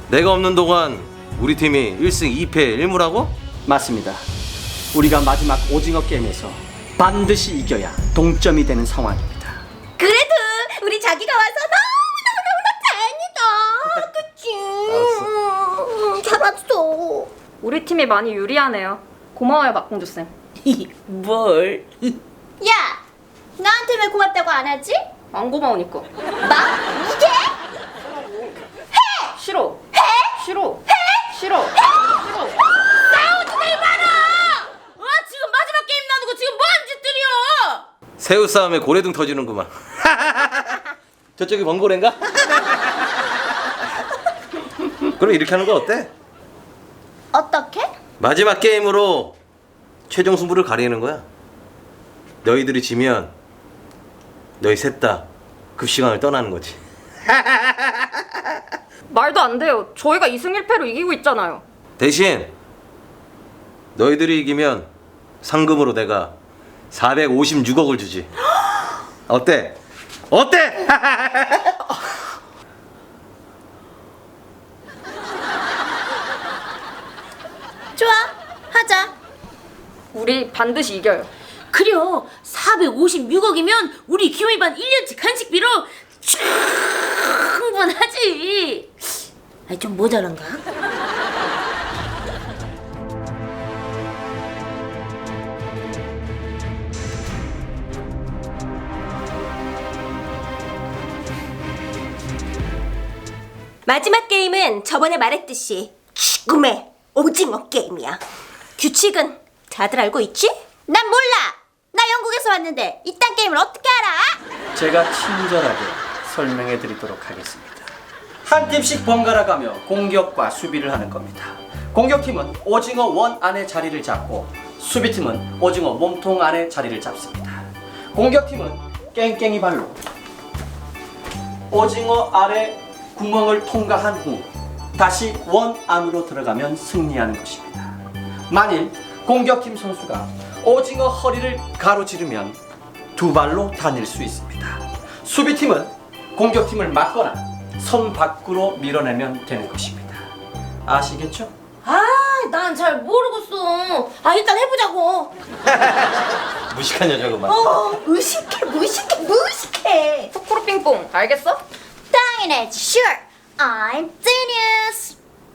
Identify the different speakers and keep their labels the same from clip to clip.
Speaker 1: 내가 없는 동안 우리 팀이 1승 2패 1무라고?
Speaker 2: 맞습니다. 우리가 마지막 오징어 게임에서 반드시 이겨야 동점이 되는 상황입니다.
Speaker 3: 그래도 우리 자기가 와서 너무너무너무 다행이다. 그치? 잘했어.
Speaker 4: 우리 팀이 많이 유리하네요. 고마워요, 막공주쌤.
Speaker 5: 뭘?
Speaker 3: 야, 나한테 왜 고맙다고 안 하지?
Speaker 4: 안 고마우니까.
Speaker 3: 나? 이게?
Speaker 4: 싫어. 싫어. 싫어. 싫어.
Speaker 3: 싸우지 말아라! 지금 마지막 게임 나누고 지금 뭐하는 짓들이야?
Speaker 1: 새우 싸움에 고래등 터지는구만. 저쪽이 번고래인가? 그럼 이렇게 하는 거 어때?
Speaker 3: 어떻게?
Speaker 1: 마지막 게임으로 최종 승부를 가리는 거야. 너희들이 지면 너희 셋 다 급식왕을 떠나는 거지.
Speaker 4: 말도 안 돼요. 저희가 2승 1패로 이기고 있잖아요.
Speaker 1: 대신 너희들이 이기면 상금으로 내가 456억을 주지. 어때? 어때?
Speaker 3: 좋아, 하자.
Speaker 4: 우리 반드시 이겨요.
Speaker 5: 그래요. 456억이면 우리 기호이반 1년치 간식비로 충분하지. 아니 좀 모자란가?
Speaker 3: 마지막 게임은 저번에 말했듯이 죽음의 오징어 게임이야. 규칙은 다들 알고 있지? 난 몰라. 나 영국에서 왔는데 이딴 게임을 어떻게 알아?
Speaker 2: 제가 친절하게 설명해 드리도록 하겠습니다. 한 팀씩 번갈아 가며 공격과 수비를 하는 겁니다. 공격팀은 오징어 원 안에 자리를 잡고 수비팀은 오징어 몸통 안에 자리를 잡습니다. 공격팀은 깽깽이 발로 오징어 아래 구멍을 통과한 후 다시 원 안으로 들어가면 승리하는 것입니다. 만일 공격팀 선수가 오징어 허리를 가로지르면 두 발로 다닐 수 있습니다. 수비팀은 공격팀을 막거나 선 밖으로 밀어내면 되는 것입니다. 아시겠죠?
Speaker 5: 난 잘 모르겠어. 일단 해보자고.
Speaker 1: 무식한 여자구만.
Speaker 3: 무식해.
Speaker 4: 코코로 핑퐁. 알겠어?
Speaker 3: 당연하지. Sure, I'm genius.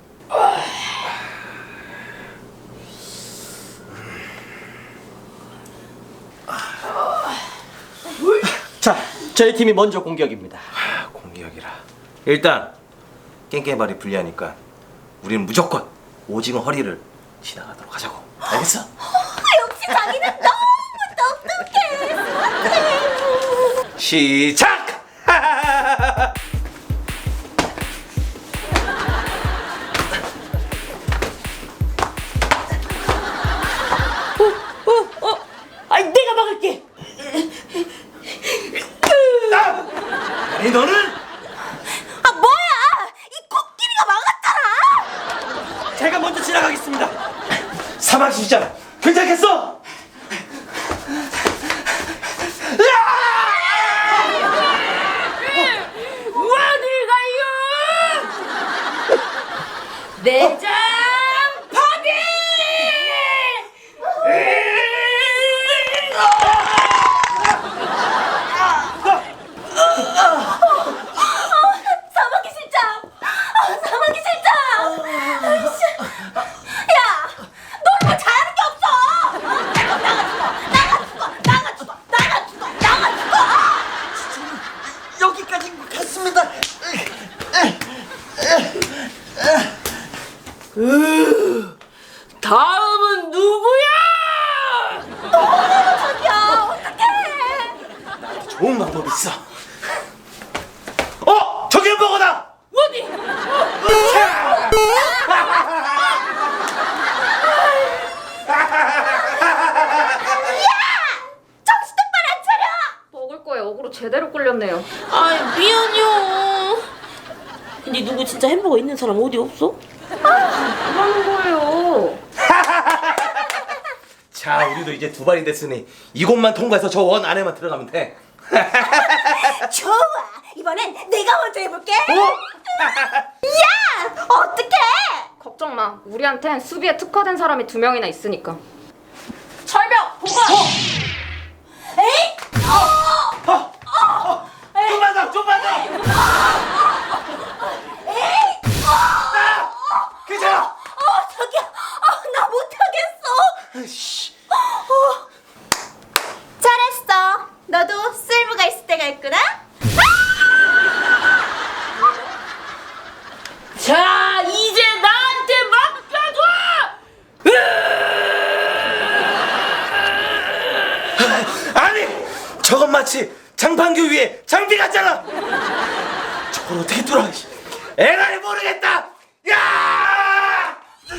Speaker 2: 자, 저희 팀이 먼저 공격입니다.
Speaker 1: 공격이라. 일단 깽깽발이 불리하니까 우리는 무조건 오징어 허리를 지나가도록 하자고. 알겠어?
Speaker 3: 역시 자기는 너무 똑똑해.
Speaker 1: 시작!
Speaker 5: 아니 내가 막을게.
Speaker 1: 아니 너는
Speaker 3: 뭐야? 이 코끼리가 막았잖아.
Speaker 2: 제가 먼저 지나가겠습니다.
Speaker 1: 사막이잖아. 괜찮겠어?
Speaker 5: 어딜 가요? 내장 파괴!
Speaker 3: 사막이 실장. 사막이 실장. 아이씨. 야, 너 이거 잘하는 게 없어. 나가 죽어.
Speaker 2: 여기까지인 것 같습니다.
Speaker 5: 다음은 누구야?
Speaker 3: 자기야, 어떡해.
Speaker 1: 좋은 방법이 있어. 저기 햄버거다.
Speaker 5: 어디?
Speaker 3: 정신 똑바로 안 차려.
Speaker 4: 먹을 거에 어그로 제대로 끌렸네요.
Speaker 5: 미안해요. 근데 누구 진짜 햄버거 있는 사람 어디 없어?
Speaker 4: 뭐라는 거예요?
Speaker 1: 자, 우리도 이제 두 발이 됐으니 이곳만 통과해서 저 원 안에만 들어가면 돼.
Speaker 3: 좋아. 이번엔 내가 먼저 해볼게. 야, 어떡해?
Speaker 4: 걱정 마. 우리한텐 수비에 특화된 사람이 2명이나 있으니까. 철벽 보건.
Speaker 3: 에이,
Speaker 1: 좀만 더. 괜찮아.
Speaker 3: 저기야, 나 못하겠어. 잘했어. 너도 쓸모가 있을 때가 있구나.
Speaker 5: 자, 이제 나한테 맡겨줘!
Speaker 1: 아니, 저건 마치 장판교 위에 장비 같잖아. 저걸 어떻게 뚫어? 에라이 모르겠다. 야!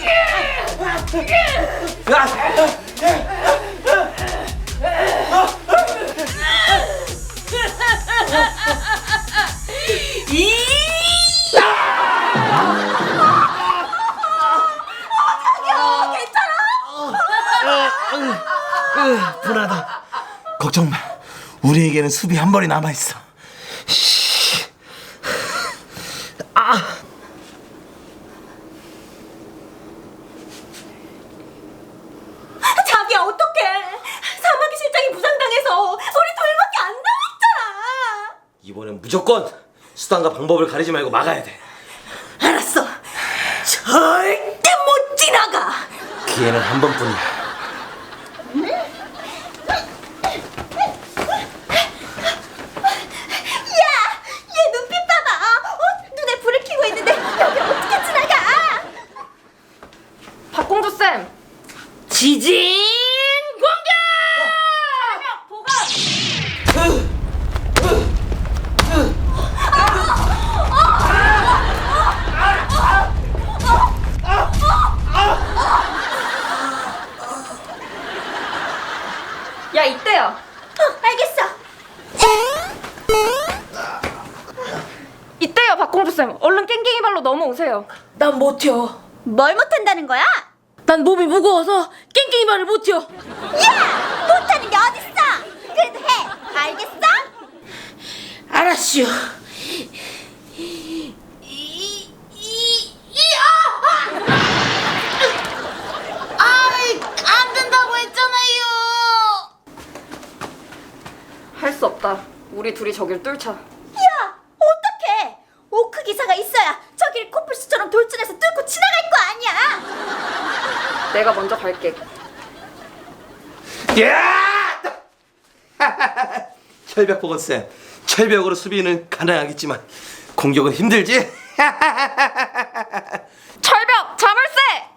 Speaker 1: 분하다. 걱정 마. 우리에게는 수비 한 벌이 남아 있어.
Speaker 3: 자기야, 어떡해. 사마귀 실장이 부상당해서 우리 둘밖에 안 남았잖아.
Speaker 1: 이번엔 무조건 수단과 방법을 가리지 말고 막아야 돼.
Speaker 3: 알았어. 절대 못 지나가.
Speaker 1: 기회는 한 번뿐이야.
Speaker 3: 야, 얘 눈빛 봐봐. 눈에 불을 켜고 있는데 여기 어떻게 지나가?
Speaker 4: 박공주 쌤.
Speaker 5: 지진 공격!
Speaker 4: 야, 이때요.
Speaker 3: 알겠어.
Speaker 4: 이때요, 박공주 쌤. 얼른 깽깽이 발로 넘어오세요.
Speaker 5: 난 못 튀어.
Speaker 3: 뭘 못한다는 거야?
Speaker 5: 난 몸이 무거워서 깽깽이 발을 못 튀어.
Speaker 3: 야, 못하는 게 어딨어? 그래도 해. 알겠어?
Speaker 5: 알았슈. 안 된다고 했잖아요.
Speaker 4: 할 수 없다. 우리 둘이 저길 뚫자.
Speaker 3: 야, 어떡해. 오크 기사가 있어야 저길 코뿔소처럼 돌진해서 뚫고 지나갈 거 아니야.
Speaker 4: 내가 먼저 갈게.
Speaker 1: 야! 철벽 보건 쌤. 철벽으로 수비는 가능하겠지만 공격은 힘들지.
Speaker 4: 철벽 자물쇠.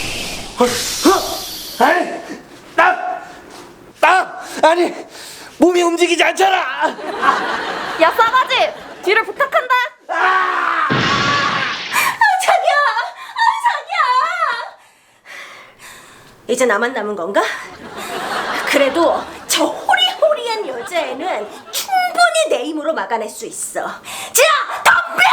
Speaker 1: 아니, 아니, 몸이 움직이지 않잖아.
Speaker 4: 야, 싸가지. 뒤를 부탁한다.
Speaker 3: 자기야, 자기야. 이제 나만 남은 건가? 그래도 저 호리호리한 여자애는 충분히 내 힘으로 막아낼 수 있어. 자, 덤벼!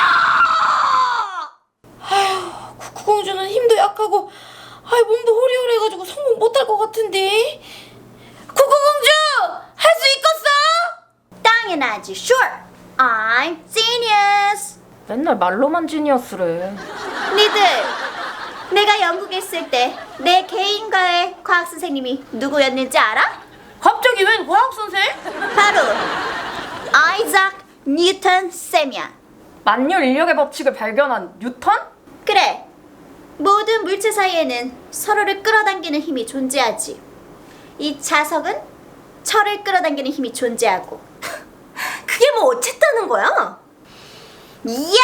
Speaker 5: 쿠쿠공주는 힘도 약하고 몸도 호리호리해가지고 성공 못할 것 같은데. 쿠쿠공주 할 수 있겠어?
Speaker 3: 당연하지. Sure. I'm genius.
Speaker 4: 맨날 말로만 지니어스래.
Speaker 3: 니들, 내가 영국에 있을 때 내 개인과의 과학 선생님이 누구였는지 알아?
Speaker 5: 갑자기 웬 과학 선생?
Speaker 3: 바로 아이작 뉴턴 쌤이야.
Speaker 4: 만유 인력의 법칙을 발견한 뉴턴?
Speaker 3: 그래. 모든 물체 사이에는 서로를 끌어당기는 힘이 존재하지. 이 자석은 철을 끌어당기는 힘이 존재하고. 그게 뭐 어쨌다는 거야? 이야!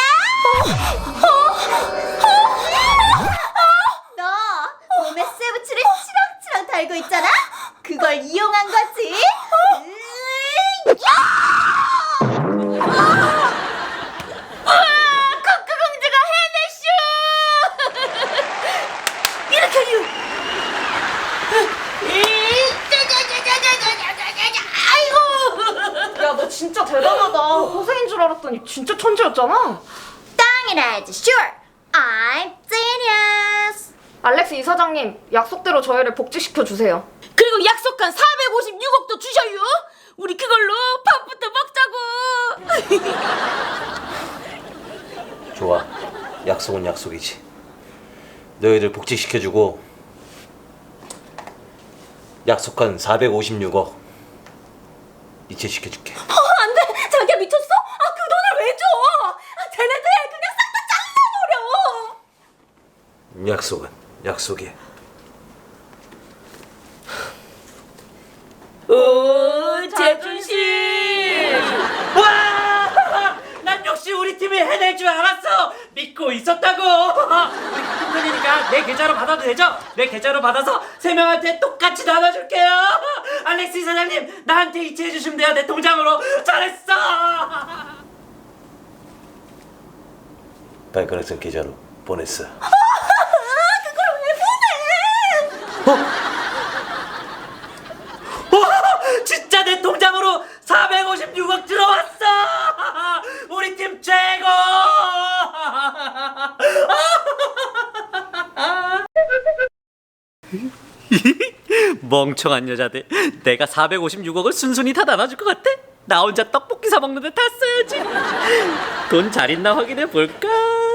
Speaker 3: 너 몸에 쇠붙이를 치렁치렁 달고 있잖아? 그걸 이용한 거지?
Speaker 5: 쿠쿠공주가 해냈슈.
Speaker 3: 이렇게
Speaker 5: 아이고.
Speaker 4: 야, 너 진짜 대단하다. 허세인 줄 알았더니 진짜 천재였잖아.
Speaker 3: 당연하지. Sure. I'm genius.
Speaker 4: 알렉스 이사장님, 약속대로 저희를 복직시켜 주세요.
Speaker 5: 그리고 약속한 456억도 주셔요. 우리 그걸로 밥부터
Speaker 1: 좋아. 약속은 약속이지. 너희들 복직시켜주고 약속한 456억 이체시켜줄게.
Speaker 3: 안 돼! 자기야 미쳤어? 아, 그 돈을 왜 줘? 아, 쟤네들 그냥 싹 다 잘라버려!
Speaker 1: 약속은 약속이야.
Speaker 5: 오, 자존심.
Speaker 6: 와! 난 역시 우리 팀이 해낼 줄 알았어. 믿고 있었다고. 우리 같은 편이니까 내 계좌로 받아도 되죠? 내 계좌로 받아서 3명한테 똑같이 나눠줄게요. 알렉스 사장님, 나한테 이체해 주시면 돼요. 내 통장으로. 잘했어.
Speaker 1: 발가락선 계좌로 보냈어.
Speaker 6: 진짜 내 통장으로 456억 들어왔어. 우리 팀 최고. 멍청한 여자들. 내가 456억을 순순히 다 나눠줄 것 같아? 나 혼자 떡볶이 사 먹는데 다 써야지. 돈 잘 있나 확인해 볼까?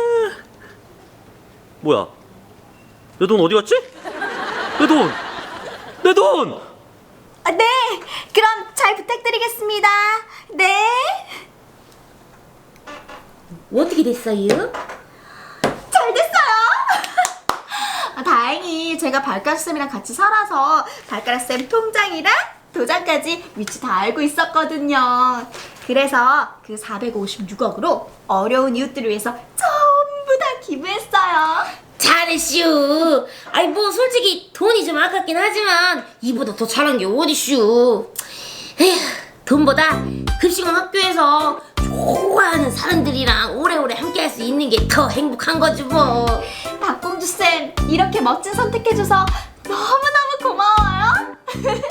Speaker 6: 뭐야? 내 돈 어디 갔지? 내 돈! 내 돈!
Speaker 3: 아, 네! 그럼 잘 부탁드리겠습니다. 네!
Speaker 5: 어떻게 됐어요?
Speaker 3: 잘 됐어요! 아, 다행히 제가 발가락쌤이랑 같이 살아서 발가락쌤 통장이랑 도장까지 위치 다 알고 있었거든요. 그래서 그 456억으로 어려운 이웃들을 위해서 전부 다 기부했어요.
Speaker 5: 잘했슈. 아이 뭐 솔직히 돈이 좀 아깝긴 하지만 이보다 더 잘한 게 어디슈. 에휴, 돈보다 급식원 학교에서 좋아하는 사람들이랑 오래오래 함께 할 수 있는 게 더 행복한 거지 뭐.
Speaker 3: 박공주쌤, 이렇게 멋진 선택해줘서 너무너무 고마워요.